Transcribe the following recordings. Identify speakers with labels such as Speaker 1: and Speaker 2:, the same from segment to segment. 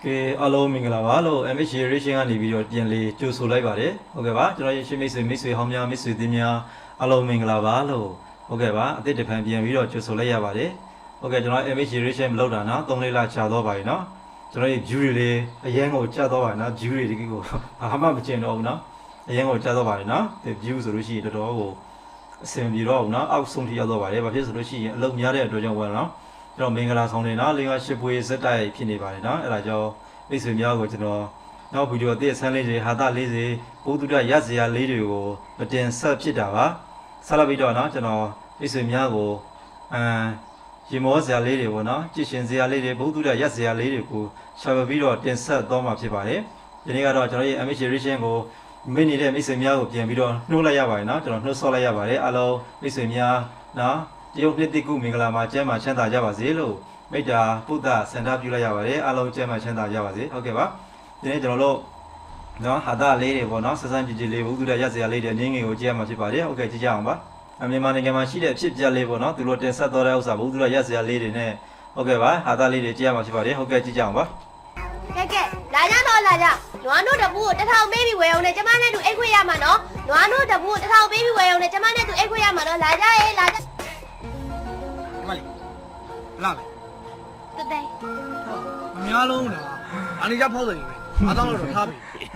Speaker 1: que alo minglava MH racing ကနေပြီးတော့ပြန်လေကြိုဆိုလိုက်ပါတယ်ဟုတ်ကဲ့ပါကျွန်တော်ရဲ့ရှင်းမိတ်ဆွေဟောင်းများမိတ်ဆွေသင်းများအလုံးမင်္ဂလာပါလို့ဟုတ်ကဲ့ပါအသစ်တစ်ဖန်ပြန်ပြီးတော့ကြိုဆိုလိုက်ရပါတယ်ဟုတ်ကဲ့ကျွန်တော် MH racing မလုပ်တာနော်3-4လကြာတော့ပါပြီနော်ကျွန်တော်ရဲ့ view တွေလေးအရင်ကိုကြာတော့ပါနော် view တွေဒီကိုဘာမှမကျင်တော့ဘူးနော်အရင်ကိုကြာတော့ပါတယ်နော်ဒီ view ဆိုလို့ရှိရင်တော်တော်ကိုအဆင်ပြေတော့ဘူးနော်အောက်ဆုံးထိရောက်တော့ပါတယ်ဘာဖြစ်ဆိုလို့ရှိရင်အလုံးများတဲ့အတွက်ကြောင့်ပေါ့နော်ကျွန်တော်မင်္ဂလာဆောင်နေနော်5-8ပွဲစက်တိုက်ဖြစ်နေပါတယ်နော်အဲ့ဒါကြောင့်မိတ်ဆွေများကိုကျွန်တော်နောက်ဗီဒီယိုအသစ်ဆန်းလေးတွေဟာတာလေးတွေပိုးတူရရစရာလေးတွေကိုမတင်ဆက်ဖြစ်တာပါဆက်လက်ပြီးတော့နော်ကျွန်တော်မိတ်ဆွေများကိုရေမောစရာလေးတွေပေါ့နော်ကြည်ရှင်စရာလေးတွေပိုးတူရရစရာလေးတွေကိုရှာပြီးတော့တင်ဆက်သွားမှာဖြစ်ပါတယ်ဒီနေ့ကတော့ကျွန်တော်ရဲ့ MH Racing ကိုမိနေတဲ့မိတ်ဆွေများကိုပြန်ပြီးတော့နှိုးလိုက်ရပါတယ်နော်ကျွန်တော်နှိုးဆော့လိုက်ရပါတယ်အားလုံးမိတ်ဆွေများနော်တရုတ်နှစ်တိကုမင်္ဂလာမှာကျမ်းမှာချမ်းသာကြပါစေလို့မိတ္တာပုဒ္ဒစန္ဒပြုလိုက်ရပါတယ်အားလုံးကျမ်းမှာချမ်းသာကြပါစေဟုတ်ကဲ့ပါဒီနေ့ကျွန်တော်တို့နော်ဟာတာလေးတွေပေါ့နော်ဆက်ဆန်းကြည်ကြည်လေးဘုသူရရစရာလေးတွေအနည်းငယ်ကိုကြည့်ရမှာဖြစ်ပါတယ်ဟုတ်ကဲ့ကြည့်ကြအောင်ပါမြန်မာနိုင်ငံမှာရှိတဲ့အဖြစ်ပြက်လေးပေါ့နော်သူတို့တင်ဆက်တော်တဲ့ဥစ္စာဘုသူရရစရာလေးတွေနဲ့ဟုတ်ကဲ့ပါဟာတာလေးတွေကြည့်ရမှာဖြစ်ပါတယ်ဟုတ်ကဲ့ကြည့်ကြအောင်ပါ
Speaker 2: ကဲလာကြတော့လာကြနွားတို့တပူကို1000ပေးပြီးဝယ်အောင်နဲ့ကျမနဲ့တူအိတ်ခွေရမှာနော်နွားတို့တပူကို1000ပေးပြီးဝယ်အောင်နဲ့ကျမနဲ့တူအိတ်ခွေရမှာနော်လာကြရေးလာကြ
Speaker 3: ဒီမလေးလာမယ်
Speaker 2: တတဲ့
Speaker 3: မများလုံးလားအနိကြဖောက်တယ်ပဲအားတောင်းလို့တော့ထားပြီ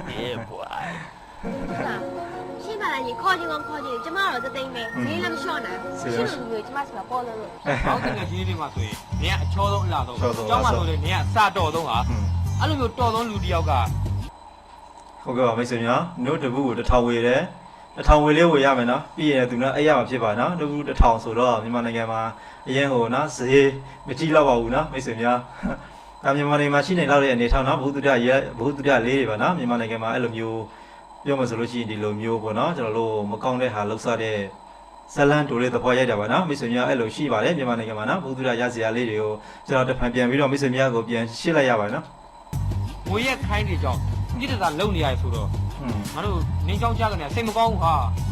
Speaker 2: ရှင်းပါလားညီခေါ်ချင်းကောခေါ်ချင်းကျမတော့တသိမ့်မယ်ဈေးလည်းမလျှော့နိုင်ရှင်းလို့မျိုးကျမစီမှာပေါ်လို့
Speaker 4: ဟောက်တဲ့ကြီးလေးမှာဆိုရင်နင်ကအချောဆုံးအလားဆုံးကျောင်းမှာဆိုရင်နင်ကစတော်ဆုံးဟာအဲ့လိုမျိုးတော်ဆုံးလူတစ်ယောက်က
Speaker 1: ဟုတ်ကဲ့ပါမိတ်ဆွေများနို့တပူကို1000ဝေတယ်1000ဝေလေးဝေရမယ်နော်ပြီးရင်သူနော်အဲ့ရမှာဖြစ်ပါနော်တပူ1000ဆိုတော့မြန်မာနိုင်ငံမှာအရင်ဟိုနော်ဈေးမကြည့်တော့ပါဘူးနော်မိတ်ဆွေများမြန်မာနိုင်ငံမှာရှိနေတော့တဲ့အနေထောင်နော်ဘုသူတလေးတွေပါနော်မြန်မာနိုင်ငံမှာအဲ့လိုမျိုးပြောမှဆိုလို့ရှိရင်ဒီလိုမျိုးပေါ့နော်ကျွန်တော်တို့မကောင်းတဲ့ဟာလှုပ်ရှားတဲ့ဇလန်တိုလေးသဘောရိုက်တာပါနော်မိတ်ဆွေများအဲ့လိုရှိပါတယ်မြန်မာနိုင်ငံမှာနော်ဘုသူရရစရာလေးတွေကိုကျွန်တော်တဖန်ပြန်ပြီးတော့မိတ်ဆွေများကိုပြန်ရှင်းလိုက်ရပါနော်
Speaker 4: ငွေရက်ခိုင်းနေကြောင်းပြစ်တသာလုံနေရဆိုတော့ငါတို့နင်းချောင်းချကနေစိတ်မကောင်းဘူးဟာ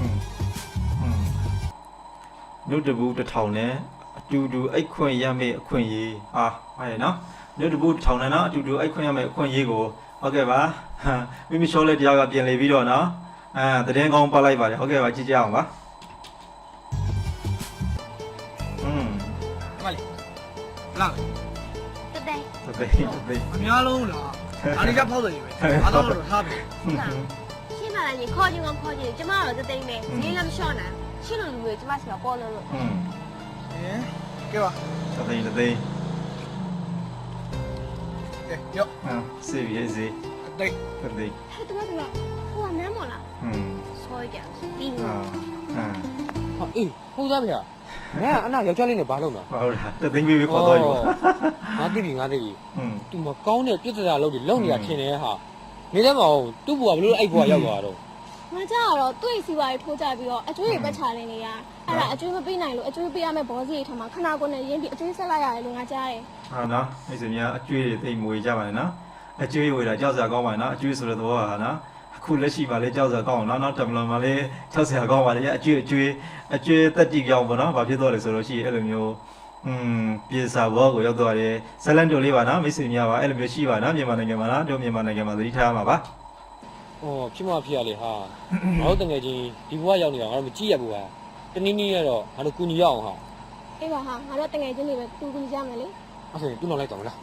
Speaker 1: နှုတ်တပူ1000နဲ့အတူတူအိတ်ခွင့်ရမယ့်အခွင့်အရေးဟာဟုတ်ရဲ့နော်နှုတ်တပူ1000နဲ့နော်အတူတူအိတ်ခွင့်ရမယ့်အခွင့်အရေးကိုဟုတ်ကဲ့ပါမိမိရှောလေးတရားကပြင်လေပြီးတော့နော်တည်င်းကောင်းပတ်လိုက်ပါတယ်ဟုတ်ကဲ့ပါကြည့်ကြအောင်ပါ
Speaker 3: ဒီမလေးလာမယ်
Speaker 2: တတဲ့
Speaker 3: မများလုံးလားအနိကြဖောက်တယ်ပဲအားတောင်းလို့တော့ထားပြီ
Speaker 2: ရှင်းပါလားညီခေါ်ချင်းကောခေါ်ချင်းကျမတော့တသိမ့်မယ်ဈေးလည်းမလျှော့နိုင်ရှင်းလို့မျိုးကျမစီမှာပေါ်လို့
Speaker 3: ကဲပါ
Speaker 1: တသိ
Speaker 3: ကဲရော
Speaker 1: စေးရေးစေး
Speaker 3: တိ
Speaker 1: တသိ
Speaker 2: ဟဲ့တူကဟိုကနမ်းမလားဆောကြပြီး
Speaker 4: ဟောအေးဟုတ်သားဗျာငါကအနာယောက်ျားလေးနဲ့ဘာလုပ်လဲ
Speaker 1: ဟုတ်လားတသိပေးခေါ်တော့ရော
Speaker 4: ငါသိပြီသူမကောင်းတဲ့ပြစ်ဒဏ်လုပ်ပြီးလုံနေတာထင်တယ်ဟာနေလည်းမအောင်သူ့ဘွားဘလို့အဲ့ဘွားရောက်သွားတော့
Speaker 2: ငါကြတော့သူ့စီပါရီထိုးကြပြီးတော့အကျွေးတွေပတ်ချနေနေရအဲ့ဒါအကျွေးမပေးနိုင်လို့အကျွေးပေးရမယ့်ဘောစီတွေထမှာခဏကိုနဲ့ရင်းပြီးအကျွေးဆက်လိုက်ရတယ်လို့ငါကြားတယ်
Speaker 1: ဟာနော်မိတ်ဆွေများအကျွေးတွေသိမွေကြပါနဲ့နော်အကျွေးဝေတာကြောက်စရာကောင်းပါနဲ့နော်အကျွေးဆိုတဲ့သဘောဟာနော်အခုလက်ရှိပါလေကြောက်စရာကောင်းအောင်နော်တမလွန်ပါလေကြောက်စရာကောင်းပါလေအကျွေးတက်တိကြောင်းပေါ့နော်ဘာဖြစ်တော့လဲဆိုလို့ရှိရင်အဲ့လိုမျိုးပြေစာဘောကိုရောက်သွားတယ်ဇလန်တိုလေးပါနော်မိတ်ဆွေများပါအဲ့လိုမျိုးရှိပါနော်မြန်မာနိုင်ငံမှာနော်တို့မြန်မာနိုင်ငံမှာသတိထားမှာပါ
Speaker 4: ဖြစ်မှဖြစ်ရလေဟာငါတို့တကယ်ချင်းဒီဘဝရောက်နေတာငါတို့မကြည့်ရဘူးဟာတနည်းနည်းနဲ့တော့ငါတို့ကူညီရအောင်ဟာ
Speaker 2: အေးပါဟာငါတို့တကယ်ချင်းတွေပဲကူညီကြမယ်လေ
Speaker 4: အဲ့ဆိုရင်သူ့နောက်လိုက်တော့မလား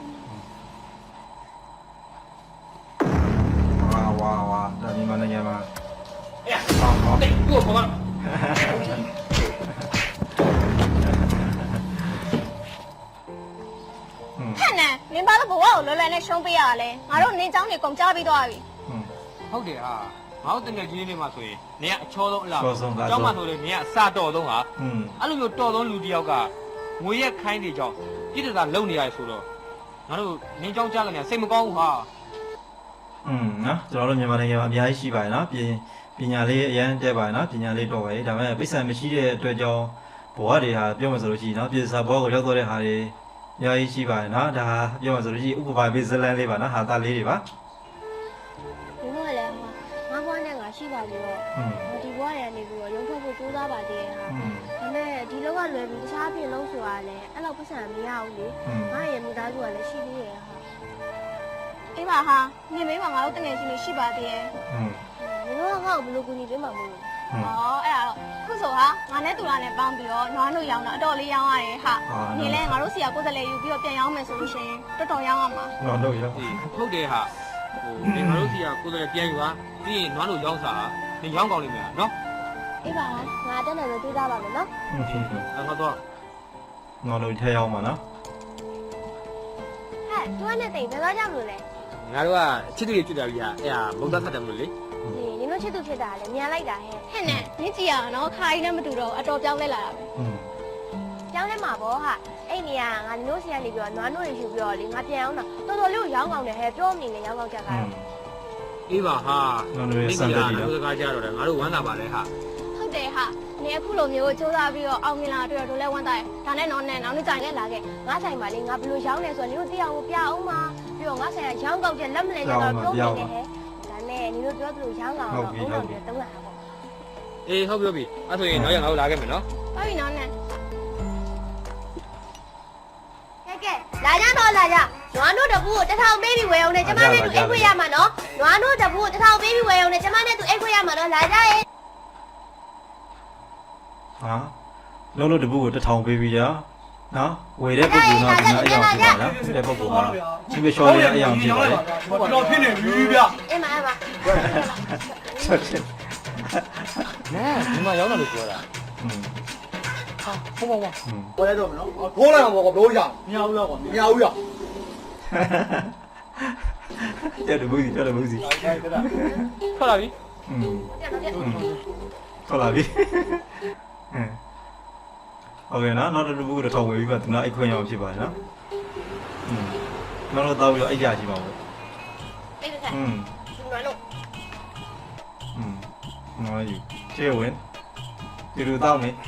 Speaker 1: ဝါဒါမြန်မာနိုင်ငံမှာ
Speaker 4: အေးဟောတဲ့ကိုခေါ်ပါ
Speaker 2: ဟဲ့နဲနင်ဘာလို့ဘဝကိုလွယ်လွယ်နဲ့ရှုံးပေးရလဲငါတို့နင်းချောင်းတွေကုန်ကြပြီးသွားပြီ
Speaker 4: ဟုတ်တယ်ဟာငါတို့တကယ်ကြီးလေးမှာဆိုရင်နင်ကအချောဆုံးအလားကျောင်းမှာဆိုရင်နင်ကစတော်ဆုံးဟာအဲ့လိုမျိုးတော်ဆုံးလူတစ်ယောက်ကငွေရက်ခိုင်းနေကြောင်းပြစ်ဒဏ်လုံနေရဆိုတော့ငါတို့နင်းချောင်းချကနေစိတ်မကောင်းဘူးဟာ
Speaker 1: နော်ကျွန်တော်တို့မြန်မာနိုင်ငံမှာအများကြီးရှိပါတယ်နော်ပညာလေးအရန်တက်ပါတယ်နော်ပညာလေးတော့ပါတယ်ဒါပေမဲ့ပိဿံမရှိတဲ့အတွက်ကြောင့်ဘဝတွေဟာပြောမှဆိုလို့ရှိရင်နော်ပြည်စာဘောကိုရောက်တော့တဲ့ဟာတွေအများကြီးရှိပါတယ်နော်ဒါပြောမှဆိုလို့ရှိရင်ဥပမာပေးဇလန်လေးပါနော်ဟာတာလေးတွေပါ
Speaker 2: ဒီဘဝလည်းငါဘဝနဲ့ငါရှိပါပြီးတော့ဒီဘဝရနေပြီးတော့ရုံထွက်ဖို့ကြိုးစားပါသေးရဲ့ဟာဒါပေမဲ့ဒီလောကလွယ်ပြီးတခြားပြင်လို့ဆိုတာလည်းအဲ့လောက်ပတ်စံမရဘူးလေငါရဲ့မိသားစုကလည်းရှိသေးရဲ့ဟာ
Speaker 1: ဟ
Speaker 2: အေးပါဟာနေမေးမှာငါတို့တငယ်ချင်းတွေရှိပါသေးရဲ့
Speaker 1: อืม
Speaker 2: နင်တို့ကငါ့ကိုဘယ်လိုကူညီပေးမှာမလို့အဲ့ဒါတော့ခုဆိုဟာငါနဲ့တူလာနဲ့ပေါင်းပြီးတော့နွားတို့ရောင်းတာအတော်လေးရောင်းရတယ်ဟာနေလဲငါတို့စီကကိုယ်စလဲယူပြီးတော့ပြန်ရောင်းမယ်ဆိုလို့ရှိရင်တော်တော်ရောင်းရမှာ
Speaker 1: တော့တော့ရ
Speaker 4: ဟုတ်တယ်ဟာဒီငါတို့စီကကိုယ်တိုင်ပြန်ယူပါပြီးရင်နွားလို့ရောင်းစားနေရောင်းကောင်းလိမ့်မယ်နော်
Speaker 2: အေးပါငါတက်နေလို့တွေးသားပါမယ်နော်
Speaker 4: အဲ့တော့
Speaker 1: ငါတို့ထဲရောက်မှာနော်
Speaker 2: ဟဲ့သူကနဲ့တိမ်ဘယ်တော့ကြောက်လို့လဲ
Speaker 4: ငါတို့ကချစ်တူလေးကျွတ်တာကြီးဟာအဲ့ဟာမုတ်သားဖတ်တယ်မလို့လေ
Speaker 2: နင်တို့ချစ်သူဖြစ်တာလေမြန်လိုက်တာဟဲ့ဟဲ့နဲ့နင်ကြည့်ရအောင်နော်ခါကြီးနဲ့မတူတော့အတော်ပြောင်းလဲလာတာပဲ
Speaker 1: อืม
Speaker 2: ပြောင်းလဲမှာပေါ့ဟာအဲ့နေရငါနင်တို့စီကနေပြီးတော့နွားတို့တွေယူပြီးတော့လေငါပြန်အောင်တာတော်တော်လေးကိုရောင်းကောင်းတယ်ဟဲ့ပြောမနေနဲ့ရောင်းကောင်းချက်ကားတော့
Speaker 4: အေးပါဟာ
Speaker 1: ငါတို့ရဲ့စံတက်ကြီးတော့
Speaker 4: ဒီကားကြတော့လေငါတို့ဝမ်းသာပါလေဟာ
Speaker 2: ဟုတ်တယ်ဟာနေအခုလိုမျိုးစူးစမ်းပြီးတော့အောင်မြင်လာတွေ့တော့တို့လဲဝမ်းသာတယ်ဒါနဲ့တော့နဲ့နောက်နေ့ကြိုင်နဲ့လာခဲ့ငါဆိုင်ပါလေငါဘယ်လိုရောင်းလဲဆိုတော့နင်တို့သိအောင်ပြအောင်ပါပြီးတော့ငါဆိုင်ကရောင်းကောက်ချက်လက်မလဲကြတော့ပြောနေတယ်ဟဲ့ဒါနဲ့နင်တို့ပြောသလိုရောင်းကောင်းတော့ဘုံတော်တွေတုံးလာတာပေါ့
Speaker 4: အေးဟုတ်ပြီအဲ့ဆိုရင်နောက်ရငါတို့လာခဲ့မယ်နော်
Speaker 2: ဟုတ်ပြီနော်နဲ့ကဲလာကြတော့လာကြနွားတို့တပူကို1000ပေးပြီးဝယ်အောင်နဲ့ကျမနဲ့သူအိတ်ခွေရမှာနော်နွားတို့တပူကို1000ပေးပြီးဝယ်အောင်နဲ့ကျမနဲ့သူအိတ်ခွေရမှာနော်လာကြရဲ့
Speaker 1: ဟာလုံးလုံးတပုတ်ကို1000ပေးပြီးရနော်ဝယ်တဲ့ပုဂ္ဂိုလ်တော့ဒီမှာအယောင်ဖြစ်ပါလားတဲ့ပုဂ္ဂိုလ်ကဒီမလျှော်ရအယောင်ဖြစ်ပါလေ
Speaker 3: တော့ဖြစ်နေပြီဗျ
Speaker 2: အေးမအေးမ
Speaker 1: ဆက်ချင်း
Speaker 4: နဲဒီမှာရောက်လာလို့ပြောတာ
Speaker 1: อืม
Speaker 4: ဟာဟုတ်ပါပါ
Speaker 1: อืม
Speaker 3: ဝယ်တော့မနော်ထိုးလိုက်မှာပေါ့ဘလို့ရမရဘူးလားကွာမရဘူးရ
Speaker 1: တဲ့တပုတ်စီတဲ့တပုတ်စီ
Speaker 4: ထွက်လာပြီ
Speaker 1: อืม
Speaker 2: ပြန်တော့ပြန်
Speaker 1: ဟုတ်လားပြီโอเคနော်နောက်တစ်ပုဂ္ဂိုလ်1000ဝယ်ပြီးမှသူနာအိတ်ခွင့်ရအောင်ဖြစ်ပါနော်อืมနောက်တော့တောက်ပြီးတော့အိတ်ရရှိပါဦး
Speaker 2: အေးဆက်
Speaker 1: อืม
Speaker 2: ဒီမှာလို့
Speaker 1: อืมနော်ယူကျေဝင်ဒီလိုတောက်နေ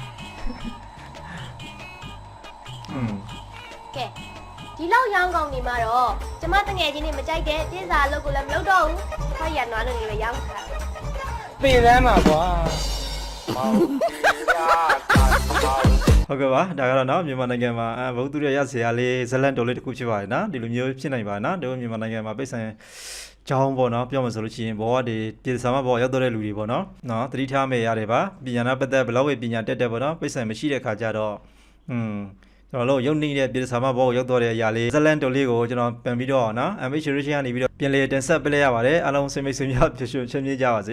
Speaker 1: อืม
Speaker 2: ကဲဒီလောက်ရောင်းကောင်းနေမှာတော့ကျမတငယ်ချင်းတွေမကြိုက်တဲ့ပြင်းစာအလုပ်ကိုလည်းမလုပ်တော့ဘူးခွာရနွားလို့လည်းရောင်းခါ
Speaker 4: ပင်လမ်းမှာကွာ
Speaker 1: ဟုတ်ကဲ့ပါဒါကတော့နော်မြန်မာနိုင်ငံမှာဘုသူရရဆရာလေးဇလန်တော်လေးတစ်ခုဖြစ်ပါတယ်နော်ဒီလိုမျိုးဖြစ်နိုင်ပါနော်တို့မြန်မာနိုင်ငံမှာပိတ်ဆိုင်ကျောင်းပေါ့နော်ပြောမှဆိုလို့ရှိရင်ဘောကဒီပြည်စာမဘောရောက်တော့တဲ့လူတွေပေါ့နော်သတိထားမယ်ရတယ်ပါပညာနာပတ်သက်ဘလောက်ပဲပညာတက်တယ်ပေါ့နော်ပိတ်ဆိုင်မရှိတဲ့ခါကျတော့ကျွန်တော်တို့ရုပ်နေတဲ့ပြည်စာမဘောရောက်တော့တဲ့အရာလေးဇလန်တော်လေးကိုကျွန်တော်ပြန်ပြီးတော့နော် MH Rich ကနေပြီးတော့ပြန်လေတင်ဆက်ပေးလိုက်ရပါတယ်အားလုံးစိတ်မိတ်ဆွေများဖြစ်ရှင်ချင်းမြကြပါစေ